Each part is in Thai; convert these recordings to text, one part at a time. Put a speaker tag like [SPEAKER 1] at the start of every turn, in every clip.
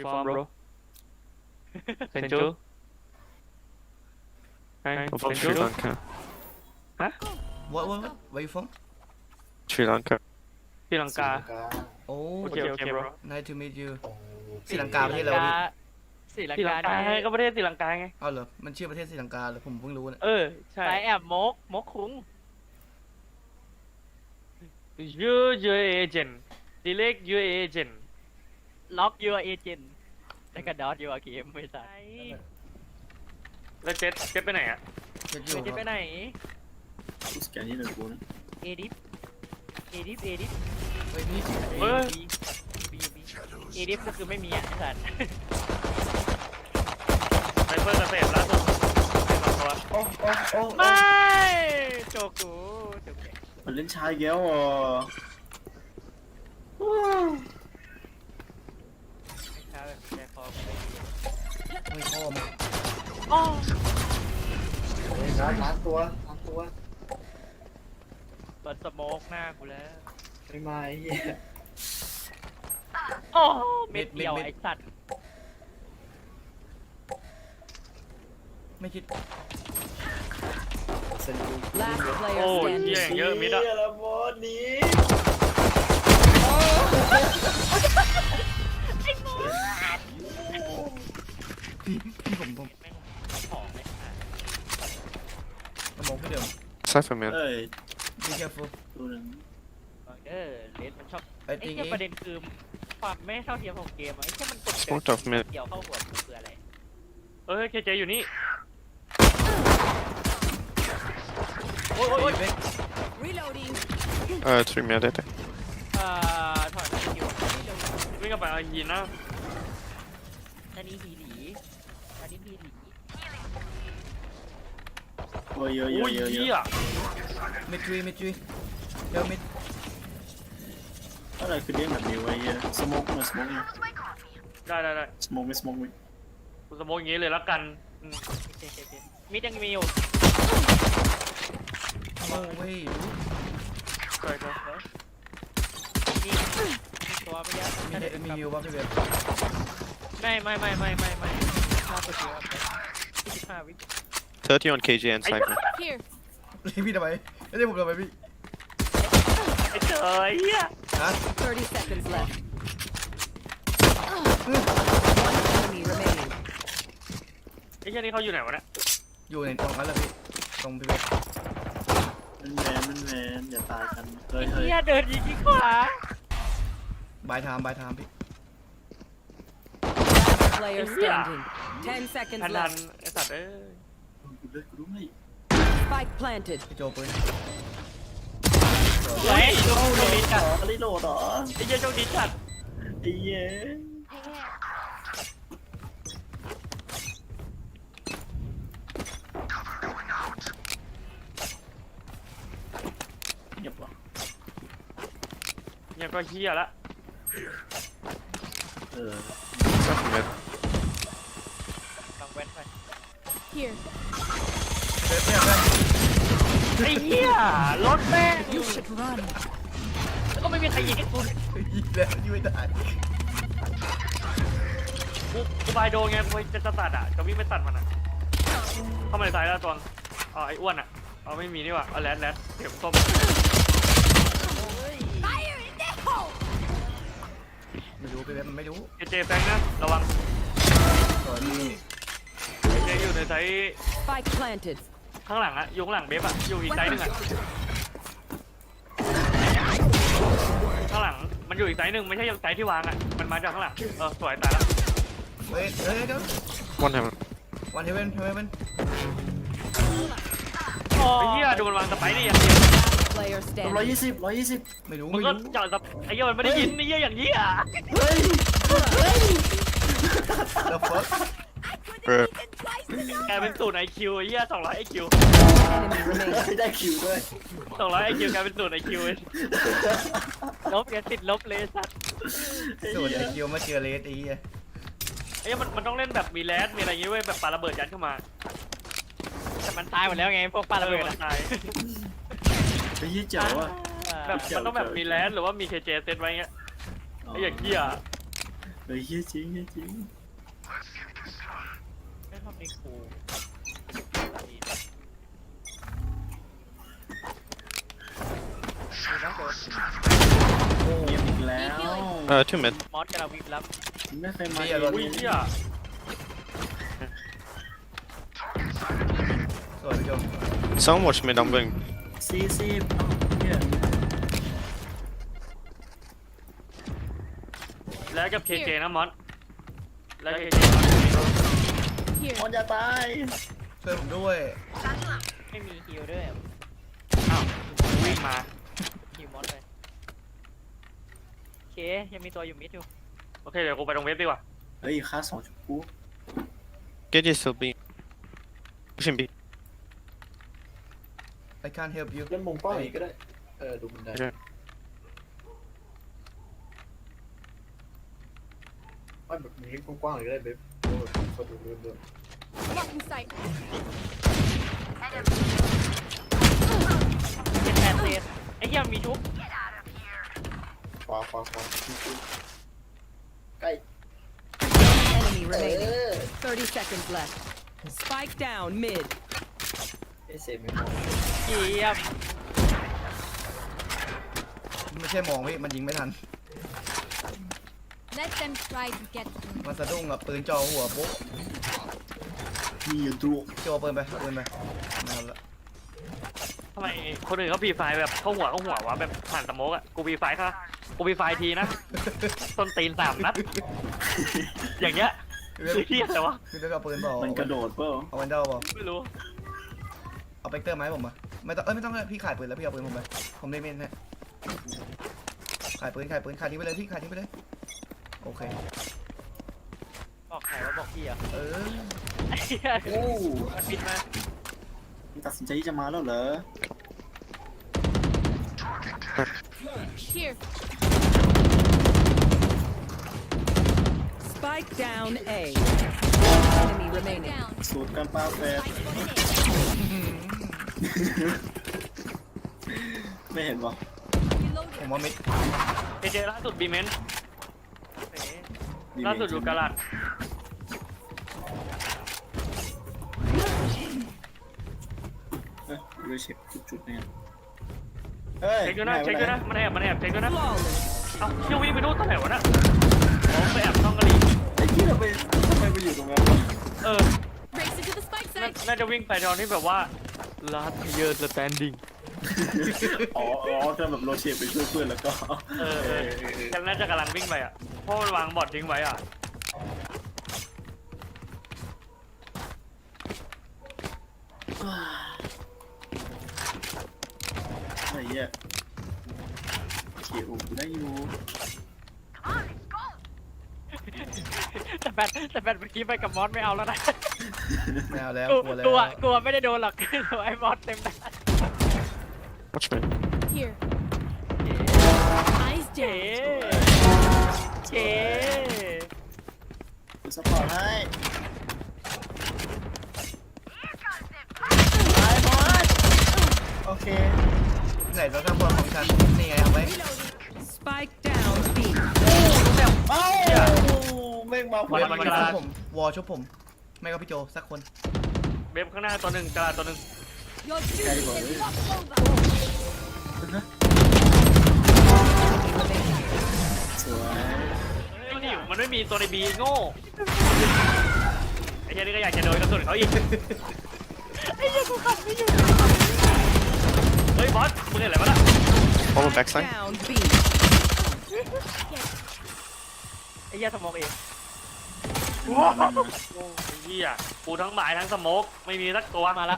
[SPEAKER 1] you from, bro? Senju? Hey,
[SPEAKER 2] I'm from Sri
[SPEAKER 1] Senju?
[SPEAKER 2] Lanka.
[SPEAKER 3] What where you from
[SPEAKER 2] Sri Lanka.
[SPEAKER 1] ศรีลังกา
[SPEAKER 3] โอ้
[SPEAKER 1] โอเค โอเค bro
[SPEAKER 3] nice to meet you ศรีลังกาประเทศอะไรวะพี่
[SPEAKER 4] ศรีลัง
[SPEAKER 1] ศรีลั
[SPEAKER 4] กาง
[SPEAKER 1] กา
[SPEAKER 4] เนี่ย
[SPEAKER 1] ก็ประเทศศรีลังกาไง
[SPEAKER 3] เอาเหรอมันชื่อประเทศศรีลังกาเหรอผมเพิ่งรู้นะ
[SPEAKER 1] เออ ใช่
[SPEAKER 4] สายแอบมกคุ้ง
[SPEAKER 1] you agent delete your agent
[SPEAKER 4] ล็อกยูเอเจนแล้วก็ดอทยูเกมไม่ใช่
[SPEAKER 1] แล้วเจ็ดไปไหนอ่ะ
[SPEAKER 3] เจ็ดอยู่
[SPEAKER 4] ไม่จะ
[SPEAKER 3] ค
[SPEAKER 4] ไป
[SPEAKER 3] รับ
[SPEAKER 4] ไหน
[SPEAKER 5] กูสแกนนี่หนึ่งกูนะ
[SPEAKER 4] เอดิฟ
[SPEAKER 3] เฮ้ยพี่
[SPEAKER 1] เฮ้ย
[SPEAKER 4] เอดิฟก็คือไม่มีอ่ะไอ้สัตว์
[SPEAKER 1] ไซเฟอร์เกษตรล่าสุดให้มาตัว
[SPEAKER 5] โอ้โอ้โอ้
[SPEAKER 4] ไม่โจกูโจกู
[SPEAKER 5] มันเล่นชายแก้วอ่ะ
[SPEAKER 4] แค่คอ
[SPEAKER 3] ไม่พ่อมึง
[SPEAKER 4] อ๋อ
[SPEAKER 5] ล้างตัว
[SPEAKER 4] เปิดสโมกหน้ากูแล้ว
[SPEAKER 5] ไม่มาไอ้เหี้ย
[SPEAKER 4] โอ้เม็ดเดียวไอ้สัตว์
[SPEAKER 3] ไม่คิด
[SPEAKER 5] เซนดู
[SPEAKER 6] Last
[SPEAKER 1] โอ้
[SPEAKER 6] player
[SPEAKER 1] ยเหี้ย
[SPEAKER 6] standing.
[SPEAKER 1] เยอะมิดอ่ะ
[SPEAKER 5] ละบอสนี้
[SPEAKER 3] พี่ผม
[SPEAKER 4] แม่งของเลย
[SPEAKER 3] กระบอกพี่เดิม
[SPEAKER 2] Cypher man.
[SPEAKER 5] เอ้ย
[SPEAKER 3] be careful
[SPEAKER 5] ตัวหนึง
[SPEAKER 4] เลสมันชอบ
[SPEAKER 3] I
[SPEAKER 4] ไอ้
[SPEAKER 3] think
[SPEAKER 4] แค่ประเด็นคือความไม่เท่าเทียมของเกมอะไอ้แค่มันกด
[SPEAKER 2] Sort of mid.
[SPEAKER 4] เกี่ยวเข้าหัวกูคืออะไร
[SPEAKER 1] เอ้ยเคเจอยู่นี่
[SPEAKER 3] โอ้ย
[SPEAKER 6] Reloading.
[SPEAKER 2] 3 mid I think.
[SPEAKER 4] ถอยมาคิว
[SPEAKER 1] วิ่งกลับไปเอาหินนะ
[SPEAKER 4] อันนี้ฮีหลีอันนี้ฮีหลี
[SPEAKER 5] โอ้ยเยอะเย
[SPEAKER 1] โอ้
[SPEAKER 5] อะ
[SPEAKER 1] ย
[SPEAKER 5] เยอะเย
[SPEAKER 1] เหี้ย
[SPEAKER 5] อะ
[SPEAKER 3] มิดทรีเดี๋ยวมิด
[SPEAKER 5] อะไรคือเด้งแบบนี้วะไอ้เหี้ยสโมกมาสโมกมา
[SPEAKER 1] ได้
[SPEAKER 5] สโมกไม่สโมกไม่
[SPEAKER 1] กูสโมกอย่างงี้เลยละกันอืม
[SPEAKER 4] โอเคมิดยังมีอยู่
[SPEAKER 3] โอ้เว้ย
[SPEAKER 1] ใช่ครับ
[SPEAKER 4] มีตัวไม่ยาก
[SPEAKER 3] มีฮิวป่ะพี่เบล
[SPEAKER 4] ไม่ค่าตัวเดียว25 วิ
[SPEAKER 2] 30 on KJ and Cypher.
[SPEAKER 6] Here.
[SPEAKER 3] พี่ทำไมไม่ได้ผมทำไมพี่
[SPEAKER 1] ไอ้เจ๋อไอ้เหี้ย
[SPEAKER 3] ฮะ
[SPEAKER 6] 30 seconds left. One enemy remaining.
[SPEAKER 1] ไอ้เหี้ยนี่เขาอยู่ไหนวะเนี่ย
[SPEAKER 3] อยู่ในตรงนั้นแหละพี่ตรงพี่เบล
[SPEAKER 5] มันแมนอย่าตายกันเฮ้ย
[SPEAKER 4] ไอ้
[SPEAKER 5] เฮ้ย
[SPEAKER 4] เหี้ยเดินยิงที่ขวา
[SPEAKER 3] บายไทม์พี่
[SPEAKER 6] Last player standing. 10 seconds
[SPEAKER 1] ทัน
[SPEAKER 6] left.
[SPEAKER 1] ไอ้สัตว์เอ้ย
[SPEAKER 5] กูด้วยกูด้วย
[SPEAKER 6] Spike planted.
[SPEAKER 3] พี่โจปืน
[SPEAKER 4] เฮ้ยโชคดีจัด
[SPEAKER 5] อะไรโหลดเหรอ
[SPEAKER 1] ไอ้เหี้ยโชคดีจัด
[SPEAKER 5] ไอ้เหี้ยเงียบว่ะ
[SPEAKER 1] เนี่ยก็เหี้ยละ
[SPEAKER 5] เออ
[SPEAKER 2] Cypher mid.
[SPEAKER 4] ลองแว้นไป
[SPEAKER 6] Here.
[SPEAKER 3] เบลเพื่อน
[SPEAKER 1] ไอ้เหี้ยรถแม่ง
[SPEAKER 6] You should run.
[SPEAKER 4] แล้วก็ไม่มีใครยิงให้กู
[SPEAKER 3] ยิงแล้วยิงไม่ได้
[SPEAKER 1] กูบายโดนไงกูจะตัดอ่ะจะวิ่งไปตัดมันอ่ะเข้ามาในสายแล้วตวงอ๋อไอ้อ้วนอ่ะเอาไม่มีนี่หว่าเอาแรดเข็มส้ม
[SPEAKER 3] ไม่รู้พี่เบลมันไม่รู้
[SPEAKER 1] เจแฟงนะระวัง
[SPEAKER 3] สอนพี่
[SPEAKER 1] เจอยู่ในไซส์
[SPEAKER 6] Spike planted.
[SPEAKER 1] ข้างหลังอะอยู่ข้างหลังเบฟอะอยู่อีกไซส์หนึ่งอะข้างหลังมันอยู่อีกไซส์หนึ่งไม่ใช่ไซส์ที่วางอะมันมาจากข้างหลังสวยตายละ
[SPEAKER 3] เฮ้ยเดี๋ยว
[SPEAKER 2] 1 heaven.
[SPEAKER 3] วันเฮเว่น
[SPEAKER 1] ไอ้เหี้ยดูมันวางสไปร์นี่อย่างเดียว
[SPEAKER 6] Last player
[SPEAKER 5] 120
[SPEAKER 3] ไม่รู้
[SPEAKER 1] มึงก็เจาะสไอ้เหี้ยมันไม่ได้ยินไอ้เหี้ยอย่างเหี้ย
[SPEAKER 5] เฮ้ย
[SPEAKER 3] แล้วเฟิร์ส
[SPEAKER 2] Bro.
[SPEAKER 1] กลายเป็นศูนย์ IQ ไอ้เหี้ย200 IQ
[SPEAKER 6] Enemy remaining.
[SPEAKER 5] ได้คิวด้วย
[SPEAKER 1] 200 IQ กลายเป็นศูนย์ IQ
[SPEAKER 4] ลบอย่าติดลบเลยสัตว์
[SPEAKER 3] ส่วนไอคิวมาเจอเลสอีอ่ะ
[SPEAKER 1] ไอ้เหี้ยมันต้องเล่นแบบมีแรดมีอะไรอย่างงี้เว้ยแบบปาระเบิดยัดเข้ามา
[SPEAKER 4] แต่มันตายหมดแล้วไงพวกปลาระเบิด
[SPEAKER 1] มั
[SPEAKER 4] อะ
[SPEAKER 1] นตาย
[SPEAKER 5] ไอ้ยี่เจ๋วอ่ะ
[SPEAKER 1] แบบมันต้องแบบมีแรดหรือว่ามี KJ เซตไว้เงี้ยไอ้อย่างเหี้ย
[SPEAKER 5] ไปฮ้ยเฮียจริงเฮียจริง
[SPEAKER 4] ไม่ทำในครู
[SPEAKER 5] เงียบอีกแล้ว
[SPEAKER 2] 2 mid.
[SPEAKER 4] มอสกำลังวิ่งรับ
[SPEAKER 5] ไม่เคยมา
[SPEAKER 1] อุ้ยเหี้ย
[SPEAKER 3] สวยพี่โจ
[SPEAKER 2] Someone watch mid, I'm going.
[SPEAKER 5] 40เฮีย
[SPEAKER 1] แล้วกับเคเจนะมอสแล้วเคเจ
[SPEAKER 6] Here.
[SPEAKER 5] มอนอย่าตาย
[SPEAKER 3] ช่วยผมด้วย
[SPEAKER 4] ไม่มีฮิลด้วย
[SPEAKER 1] อ้าววิ่งมา
[SPEAKER 4] ฮิลมอสเลยโอเคยังมีตัวอยู่มิดอยู่
[SPEAKER 1] โอเคเดี๋ยวกูไปตรงเว็บดีกว่า
[SPEAKER 5] เฮ้ยค่า2จุดกู
[SPEAKER 2] KJ still B. Pushing B.
[SPEAKER 3] I can't help you
[SPEAKER 7] เล่นมุมกว้างอีกก็ได้ ดูบันได
[SPEAKER 2] Okay.
[SPEAKER 7] ไม่แบบนี้กว้างๆอีกก็ได้เบ๊บโอ้ยเขาดูเรื่อง
[SPEAKER 6] Blocking sight.
[SPEAKER 4] 78 เซนไอ้เหี้ยมีชุบ
[SPEAKER 7] ขวาใกล้
[SPEAKER 6] Enemy remaining. 30 seconds left. Spike down mid.
[SPEAKER 7] เซฟไม่มอง
[SPEAKER 4] เยี่ยม
[SPEAKER 3] ไม่ใช่มองพี่มันยิงไม่ทัน
[SPEAKER 6] Let them try to get through.
[SPEAKER 3] มันสะดุ้งกับปืนจ่อหัวปุ๊บ
[SPEAKER 5] มีอยู่ดู
[SPEAKER 3] โจปืนไปปืนไปนะครับละ
[SPEAKER 1] ทำไมคนอื่นเขาปีไฟแบบเข้าหัววะแบบผ่านสโมกอะกูปีไฟค่ะกูปีไฟทีนะต้นตีน3 นัดอย่างเงี้ยคือเหี้ยอะไรวะ
[SPEAKER 3] พี่เลือกเอาปืนเปล่า
[SPEAKER 5] มันกระโดดเปล่า
[SPEAKER 3] เอาวันเดอร์เปล่า
[SPEAKER 1] ไม่รู้
[SPEAKER 3] เอาเปกเตอร์ไหมาให้ผมมาไม่ต้องไม่ต้องเลยพี่ขายปืนแล้วพี่เอาปืนผมไปผมได้เมนเนี่ยขายปืนขายทิ้งไปเลยพี่ขายทิ้งไปเลยโอเค
[SPEAKER 4] บอกใครว่าบอกพี่อ่ะ
[SPEAKER 3] เออ
[SPEAKER 4] ไอ้เหี้ย
[SPEAKER 5] โอ้
[SPEAKER 4] มันบินมา
[SPEAKER 5] มันตัดสินใจที่จะมาแล้วเหรอ
[SPEAKER 6] Here. Spike down A. Enemy remaining.
[SPEAKER 5] สูตรการปาแฟร์ไม่เห็นวะ
[SPEAKER 3] ผมว่ามิด
[SPEAKER 1] เคเจล่าสุดบีเมน
[SPEAKER 4] เอ๊ะ
[SPEAKER 1] ล่าสุดอยู่กาลัด
[SPEAKER 5] เฮ้ยดูเช็คจุดๆเนี่ยเฮ้ย
[SPEAKER 1] เช็คด้วยนะเช็คด้วยนะมันแอบเช็คด้วยนะ
[SPEAKER 6] Flawless.
[SPEAKER 1] เอ้าเชี่ยวิ่งไปนู่นตรงไหนวะน่ะอ๋อไปแอบช่องกะหรี่
[SPEAKER 5] ไอ้ที่เราไปทำไมไปอยู่ตรงนั้นวะ
[SPEAKER 1] เออ
[SPEAKER 6] Race into the spike
[SPEAKER 1] น่าจะวิ่งไปตอนที่แบบว่า last year standing
[SPEAKER 5] อ๋อถ้าแบบโรเชตไปช่วยเพื่อนแล้วก็
[SPEAKER 1] เออฉันน่าจะกำลังวิ่งไปอ่ะเพราะมันวางบอร์ดทิ้งไว้อ่ะ
[SPEAKER 5] ไอ้เหี้ยเขียวได้อยู่
[SPEAKER 4] แต่แบตเมื่อกี้ไปกับมอสไม่เอาแล้วนะ
[SPEAKER 3] ไม่เอาแล้ว
[SPEAKER 4] กู
[SPEAKER 3] กลัวแล้ว
[SPEAKER 4] กลัวไม่ได้โดนหรอกไอ้มอสเต็มหน้า
[SPEAKER 2] Watch mid.
[SPEAKER 6] Here. Eyes
[SPEAKER 4] เจ๊
[SPEAKER 6] down.
[SPEAKER 4] เจ๊
[SPEAKER 5] กูสปอร์ตให้ไอ้บอสโอเค
[SPEAKER 3] ไหนแล้วถ้าบอลของฉันนี่ไงเอาไว้
[SPEAKER 6] Spike down B.
[SPEAKER 5] เอ้าไม่มา
[SPEAKER 1] วัน
[SPEAKER 3] ชุบผมวอลชุบผมไม่ก็พี่โจสักคน
[SPEAKER 1] เว็บข้างหน้าตัวหนึ่งกระดาษตัวหนึ่ง
[SPEAKER 6] Your duty is not over.
[SPEAKER 5] สวย
[SPEAKER 1] มันไม่มีตัวในบีโง่ไอ้เจ้านี่ก็อยากจะโดนกระสุนเขาอีกไอ้เจ้ากูขับไม่อยู่เฮ้ยบอสมึงเห็นอะไรวะน่ะ
[SPEAKER 2] Follow backside.
[SPEAKER 6] Down B.
[SPEAKER 4] ไอ้เหี้ยสมองเอง
[SPEAKER 1] โอ้ยเหี้ยกูทั้งหมายทั้งสโมกไม่มีสักตัว
[SPEAKER 4] มาละ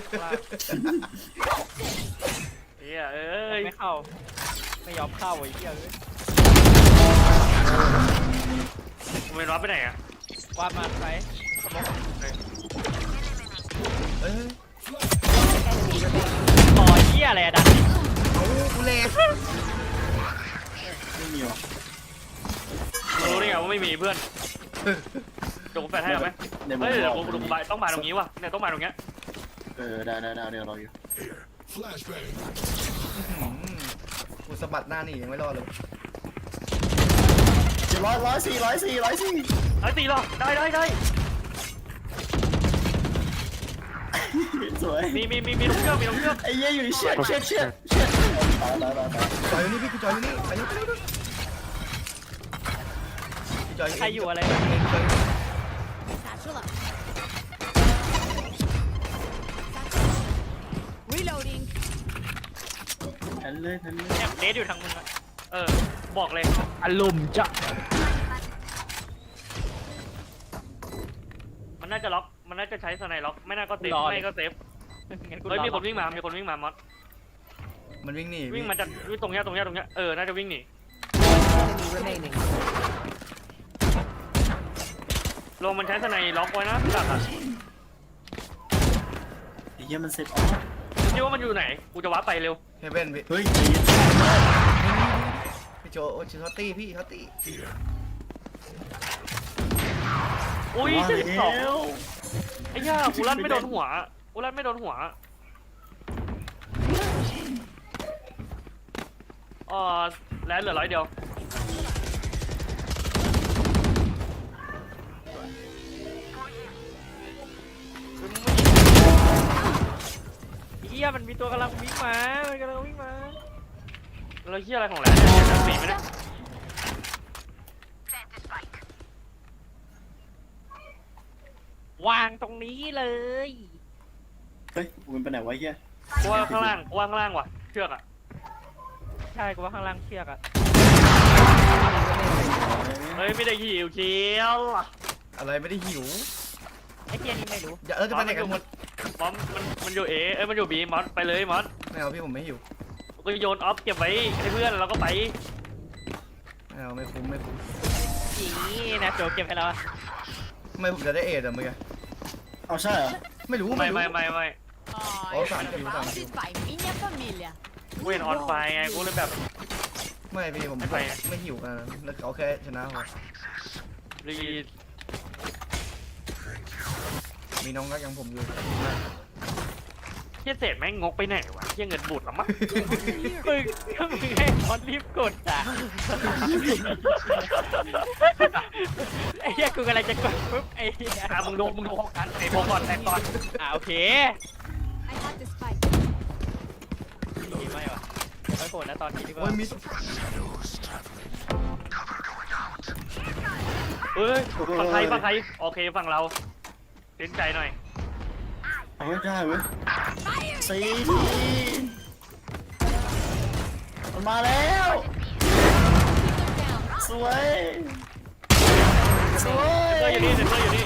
[SPEAKER 1] เหี้ยเอ้ย
[SPEAKER 4] ไม่เข้าไม่ยอมเข้าไอ้เหี้ยเลย
[SPEAKER 1] มึงเป็นรับไปไหนอ่ะ
[SPEAKER 4] วาดมาไปสมอง
[SPEAKER 3] เอ้ย
[SPEAKER 4] ต่อเหี้ยอะไรอะดัน
[SPEAKER 3] เอากูเลส
[SPEAKER 5] ไม่มีวะ
[SPEAKER 1] รู้ได้ไงว่าไม่มีเพื่อนเดี๋ยวกูแฟนให้เอาไหม
[SPEAKER 5] ในมื
[SPEAKER 1] เฮ้ย
[SPEAKER 5] อ
[SPEAKER 1] เดี๋ยว
[SPEAKER 5] บ
[SPEAKER 1] กู
[SPEAKER 5] อก
[SPEAKER 1] ต้องมาตรงนี้ว่ะเนี่ยต้องมาตรงเนี้ย
[SPEAKER 5] ได้เดี๋ยวรออยู่
[SPEAKER 3] กูสะบัดหน้านี่ยังไม่รอดเลย
[SPEAKER 5] ร้อยสี่
[SPEAKER 1] ไอ้ตีหรอได้
[SPEAKER 5] สวย
[SPEAKER 1] มีลงเครื่อง
[SPEAKER 5] ไอ้เหี้ยอยู่ในเชือกตาย
[SPEAKER 3] จอยอยู่นี่พี่จอยอยู่นี่ไปเร็วพี่จอย
[SPEAKER 4] ใครอยู่อะไร
[SPEAKER 6] Satchel up. Reloading.
[SPEAKER 5] ทันเลย
[SPEAKER 4] เนี่ยเดทอยู่ทางมึงอะ
[SPEAKER 1] บอกเลย
[SPEAKER 4] อารมณ์จะ
[SPEAKER 1] มันน่าจะล็อกมันน่าจะใช้สไนล็อกไม่น่าก็เซฟไม่ก็เซฟ
[SPEAKER 4] งั้นกู
[SPEAKER 1] เฮ้ย
[SPEAKER 4] รอ
[SPEAKER 1] มีคนวิ่งมามอส
[SPEAKER 3] มันวิ่งหนี
[SPEAKER 1] วิ่งมาจากตรงเนี้ยน่าจะวิ่งหนี
[SPEAKER 6] Enemy remaining.
[SPEAKER 1] ลงมันใช้สไนล็อกไว้นะหลักอ่ะ
[SPEAKER 5] ไอ้เหี้ยมันเซ็ตออฟ
[SPEAKER 1] คิดว่ามันอยู่ไหนกูจะว้าไปเร็ว
[SPEAKER 3] เฮเว่นพี่
[SPEAKER 5] เฮ้ย
[SPEAKER 3] พี่โจชิฮอตตี้พี่ฮอตตี้
[SPEAKER 1] อุ้ย72ไอ้ย่ากูลั่นไม่โดนหัวแล้วเหลือ100เดียว
[SPEAKER 4] เฮียมันมีตัวกำลังวิ่งมา
[SPEAKER 1] แล้วเฮียอะไรของแหลมเนี่ยจะตีไหมเนี่ย
[SPEAKER 4] วางตรงนี้เลย
[SPEAKER 5] เฮ้ยมันไปไหนวะเหี้ย
[SPEAKER 1] กูว่าข้างล่างว่ะเชือกอ่ะ
[SPEAKER 4] ใช่กูว่าข้างล่างเชือกอะ
[SPEAKER 1] เฮ้ยไม่ได้หิวเชียว
[SPEAKER 3] อะไรไม่ได้หิว
[SPEAKER 4] ไอ้เฮียนี่ไม่รู้
[SPEAKER 3] อย่าจะไปไหนกันหมด
[SPEAKER 1] มอสมันอยู่มันอยู่บีมอสไปเลยมอส
[SPEAKER 3] ไม่เอาพี่ผมไม่หิว
[SPEAKER 1] ก็โยนออฟเก็บไว้ให้เพื่อนแล้วก็ไป
[SPEAKER 3] ไม่เอาไม่คุ้ม
[SPEAKER 4] จีนะโจเก็บให้เรา
[SPEAKER 3] ทำไมผมจะได้เอทอะเมื่อกี้
[SPEAKER 5] เอาใช่เหรอ
[SPEAKER 3] ไม่รู้
[SPEAKER 1] ไม่
[SPEAKER 3] Oh, surrounded
[SPEAKER 6] by minha família.
[SPEAKER 1] กูเห็นออนไฟไงกูเลยแบบ
[SPEAKER 3] ไม่พี่ผม
[SPEAKER 1] ไม่ไป
[SPEAKER 3] ไม่หิวกันแล้วเอาแค่ชนะพอ
[SPEAKER 1] รี
[SPEAKER 3] มีน้องรักอย่างผมอยู่
[SPEAKER 1] เฮียเศษแม่งงกไปไหนวะเฮียเงินบูดหรอมั้ง
[SPEAKER 4] มึงก็มึงให้คอนรีบกดอ่ะไอ้เหี้ยกูกำลังจะกดปุ๊บไอ้เหี้ย
[SPEAKER 1] มึงดูพกกันไอ้พกก่อนแต่ก่อน
[SPEAKER 4] โอเค
[SPEAKER 6] I have the spike.
[SPEAKER 4] ดีไม่วะไม่โกรธนะตอนนี้ดีกว่า
[SPEAKER 3] โอ้ยมี
[SPEAKER 1] เฮ้ยฝั่งใครโอเคฝั่งเราเต้นใจหน่อย
[SPEAKER 5] เอาไว้ได้เว้ยสี่ทีมันมาแล้ว สวย
[SPEAKER 1] เซนเตอร์อยู่นี่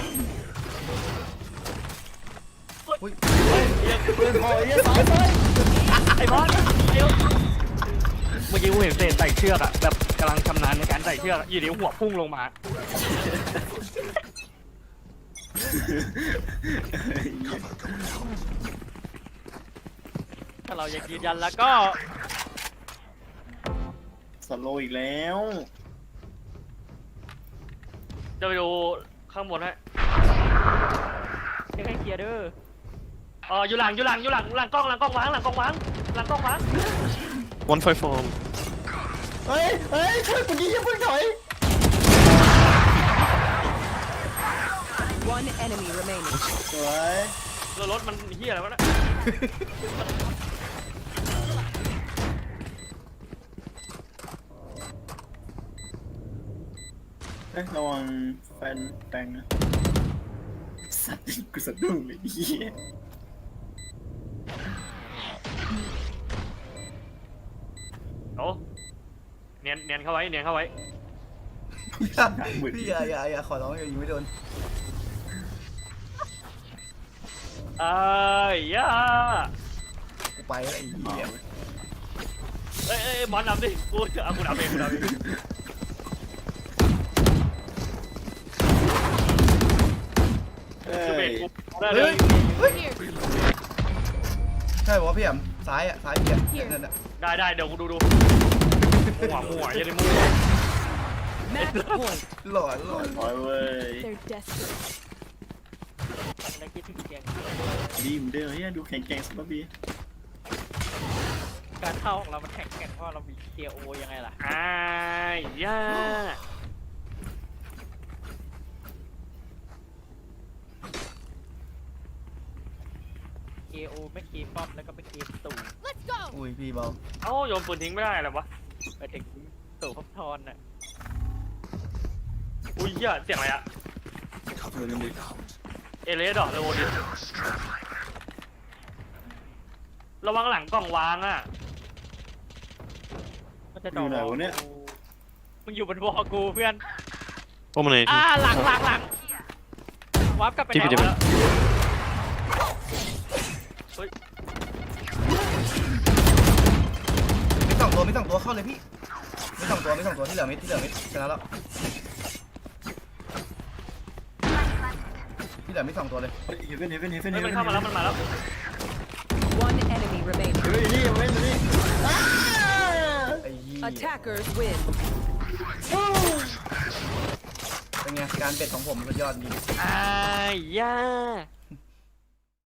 [SPEAKER 3] อุ้ย
[SPEAKER 5] ปืนหอยสายไฟ
[SPEAKER 1] ไอ้บอสเมื่อกี้กูเห็นเศษใส่เชือกอะแบบกำลังชำนาญในการใส่เชือกอยู่ดีหัวพุ่งลงมา
[SPEAKER 4] ถ้าเรายังยืนยันแล้วก็
[SPEAKER 5] สโลว์อีกแล้ว
[SPEAKER 1] จะไปดูข้างบนให้
[SPEAKER 4] ยังให้เคลียร์เด้อ
[SPEAKER 1] อยู่หลังกล้องวาง
[SPEAKER 2] 154.
[SPEAKER 5] เฮ้ยช่วยกูดิอย่าเพิ่งถอย
[SPEAKER 6] One enemy remaining.
[SPEAKER 5] สวย
[SPEAKER 1] แล้วรถมันเฮียอะไรวะเนี่ย
[SPEAKER 5] ระวังแฟนแปงนะสัตว์กูสะดุ้งเลยเหี้ย
[SPEAKER 1] โอ้เนียนเข้าไว้
[SPEAKER 3] พี่อย่าขอร้องอย่ายิงไม่โดน
[SPEAKER 1] ย่า
[SPEAKER 3] กูไปแล้วไอ้เหี้ย
[SPEAKER 1] เอ้ยบอลนำดิกูนำเอง
[SPEAKER 5] เฮ้
[SPEAKER 1] คือเบร
[SPEAKER 5] ย
[SPEAKER 1] กกูได้เล
[SPEAKER 3] เฮ้
[SPEAKER 1] ย
[SPEAKER 3] ยใช่บอกว่าพี่อ่ำซ้ายพี่นั่นน่ะ
[SPEAKER 1] ได้เดี๋ยวกูดูมั่วอย่าได้มั่ว
[SPEAKER 6] Match point.
[SPEAKER 3] หลอน
[SPEAKER 5] ถอยเว้ย
[SPEAKER 6] They're desperate.
[SPEAKER 4] แล้วคิดถึงเสียง
[SPEAKER 5] ดีเหมือนเดิมเฮียดูแข็งแกร่งสมบี
[SPEAKER 4] การเข้าของเรามันแข็งเพราะเรามีเคลียร์โอยังไงล่ะ
[SPEAKER 1] ย่า
[SPEAKER 4] เคโอไม่เคป้อมแล้วก็ไปเคตู่
[SPEAKER 3] อุ้ยพี่เบา
[SPEAKER 1] เอ้าโยนปืนทิ้งไม่ได้เหรอวะ
[SPEAKER 4] ไปถึงตู่พับทอนน่ะ
[SPEAKER 1] อุ้ยเหี้ยเสียงอะไรอะ
[SPEAKER 5] เออนั่นดิ
[SPEAKER 1] เอเลสดอกเลยโอดิระวังหลังกล่องวางอะ
[SPEAKER 4] มันจะ
[SPEAKER 5] อ
[SPEAKER 4] ดอยู่ ก
[SPEAKER 5] ไหนวะเนี่ย
[SPEAKER 4] มึงอยู่บนวอลกูเพื่อน
[SPEAKER 2] Omen 80.
[SPEAKER 4] หลังวาร์ปกลับไป
[SPEAKER 2] TP
[SPEAKER 4] แล้ว
[SPEAKER 2] TP
[SPEAKER 3] มีสองตัวเข้าเลยพี่มีสองตัวที่เหลือมิดชนะแล้วที่เหลือมิด2 ตัวเลย
[SPEAKER 5] เฮ้ยเฮเว่น
[SPEAKER 1] เฮ้ยมันเข้ามาแล้วมันมาแล้ว
[SPEAKER 6] One enemy remaining.
[SPEAKER 5] เฮ้ยนี่เฮเว่นนี่
[SPEAKER 3] ไอ้ยี่
[SPEAKER 6] Attackers win.
[SPEAKER 3] เป็นไงการเป็ดของผมมันยอดจริง
[SPEAKER 1] อ้ายย่า